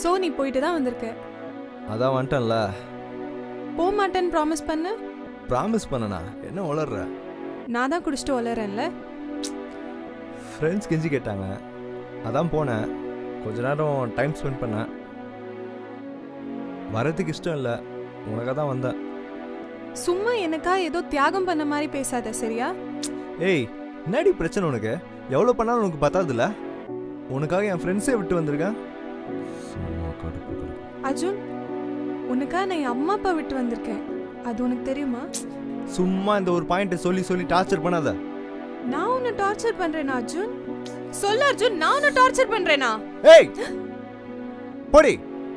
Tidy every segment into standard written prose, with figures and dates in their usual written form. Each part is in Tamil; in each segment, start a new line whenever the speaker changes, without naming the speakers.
ஸோ நீ போயிட்டு தான் வந்திருக்க.
அதான் வந்துட்டேன்ல.
போக மாட்டேன்னு ப்ராமிஸ் பண்ண.
ப்ராமிஸ் பண்ணனா என்ன உளர்ற?
நான் தான் குடிச்சிட்டு வளரேன்ல.
ஃப்ரெண்ட்ஸ் கெஞ்சி கேட்டாங்க, அதான் போனேன். கொஞ்ச நேரம் டைம் ஸ்பெண்ட் பண்ணேன். வரதுக்கு இஷ்டம் இல்லை, உனக்காக தான் வந்தேன்.
சும்மா எனக்கா ஏதோ தியாகம் பண்ண மாதிரி பேசாத சரியா?
ஏய், என்னடி பிரச்சனை உனக்கு? எவ்வளோ பண்ணாலும் உனக்கு பத்தாதுல்ல? உனக்காக என் ஃப்ரெண்ட்ஸே விட்டு வந்திருக்கேன்.
அர்ஜுன், உனக்காக நான் என் அம்மா அப்பா விட்டு வந்திருக்கேன். அது உனக்கு தெரியுமா?
சும்மா இந்த ஒரு பாயிண்ட்டை சொல்லி சொல்லி டார்ச்சர் பண்ணாத.
நான் உன்னை டார்ச்சர் பண்றேனா அர்ஜுன்? சொல்ல அர்ஜுன், நான் உன்னை டார்ச்சர் பண்றேனா?
ஏய் போடி.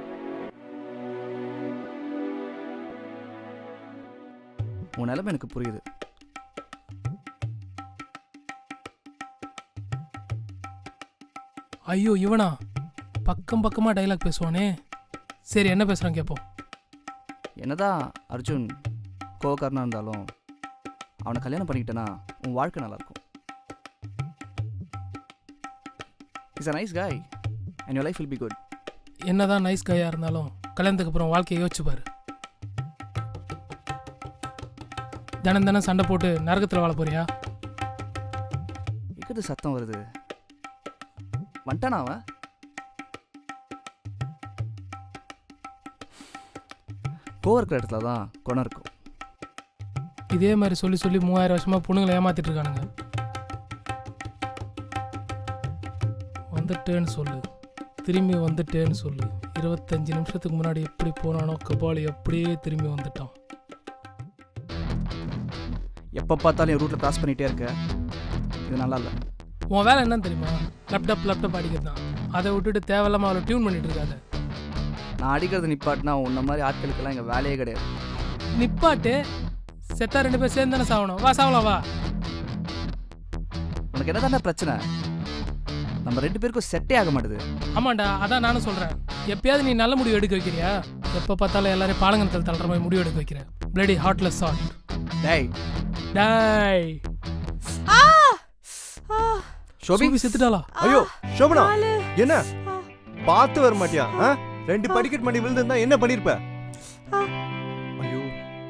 உன் நிலைமை எனக்கு புரியுது.
ஐயோ இவனா பக்கம் பக்கமாக டைலாக் பேசுவானே. சரி என்ன பேசுகிறான் கேட்போம்.
என்னதான் அர்ஜுன் கோவக்காரனாக இருந்தாலும் அவனை கல்யாணம் பண்ணிக்கிட்டேன்னா உன் வாழ்க்கை நல்லாயிருக்கும். Is a nice guy and your life will be good.
என்னதான் நைஸ் கையாக இருந்தாலும் கல்யாணத்துக்கு அப்புறம் வாழ்க்கையை யோசிச்சுப்பாரு. தினம் தினம் சண்டை போட்டு நரகத்தில் வாழ போறியா?
இக்கது சத்தம் வருது. வந்துட்டானா அவன்? கோவம் இருக்கிற இடத்துல தான் குணம் இருக்கும்.
இதே மாதிரி சொல்லி சொல்லி 3000 வருஷமாக பொண்ணுங்களை ஏமாத்திட்டு இருக்கானுங்க. வந்துட்டேன்னு சொல்லு, திரும்பி வந்துட்டேன்னு சொல்லு. 25 நிமிஷத்துக்கு முன்னாடி எப்படி போனானோ கபாலி அப்படியே திரும்பி வந்துட்டான்.
எப்போ பார்த்தாலும் என் ரூட்டில் கிராஸ் பண்ணிகிட்டே இருக்க, இது நல்லா இல்லை.
உன் வேலை என்னன்னு தெரியுமா? லேப்டாப் அடிக்கிறது தான். அதை விட்டுட்டு தேவையில்லாமல் அவளை டியூன் பண்ணிட்டு இருக்காத.
நான் அடிக்கிறது நிப்பாட்டினா உன்ன மாதிரி ஆட்களுக்கெல்லாம் எங்கள் வேலையே கிடையாது.
நிப்பாட்டு செத்தா 2 பேர் சேர்ந்து தானே சாகணும். வா சாவலாம் வா.
உனக்கு என்ன தானே பிரச்சனை? நம்ம 2 பேருக்கும் செட்டே ஆக மாட்டுது.
ஆமாண்டா, அதான் நானும் சொல்கிறேன். எப்பயாவது நீ நல்ல முடிவு எடுக்க வைக்கிறியா? எப்போ பார்த்தாலும் எல்லாரையும் பாலங்கத்தில் தள்ளுற மாதிரி முடிவு எடுக்க வைக்கிற. Bloody heartless shot.
டேய்
டேய்
ஷோபி
செத்துட்டாளா?
ஐயோ சோபனா, என்ன பார்த்து வர மாட்டியா? 2 படிக்கட் பண்ணி விழுந்திருந்தா என்ன பண்ணிருப்ப? ஐயோ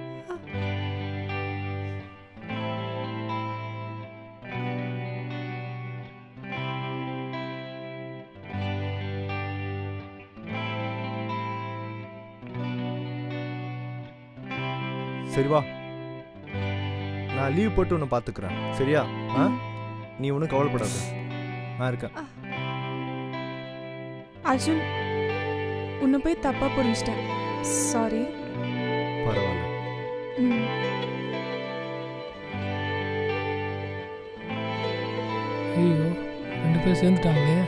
சரி வா, நான் லீவ் போட்டு உன்னை பார்த்துக்கிறேன் சரியா? நீ ஒன்றும் கவலைப்படாத, நான் இருக்கேன்.
அர்ஜுன், உன்னை போய் தப்பா புரிஞ்சிட்டேன். சாரி.
பரவாயில்ல.
ஐயோ 2 பேர் சேர்ந்துட்டாங்களே.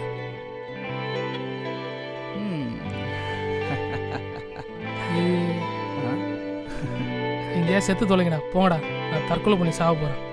எங்கேயா செத்து தொலைங்கடா, போங்கடா. நான் தற்கொலை பண்ணி சாக போகிறேன்.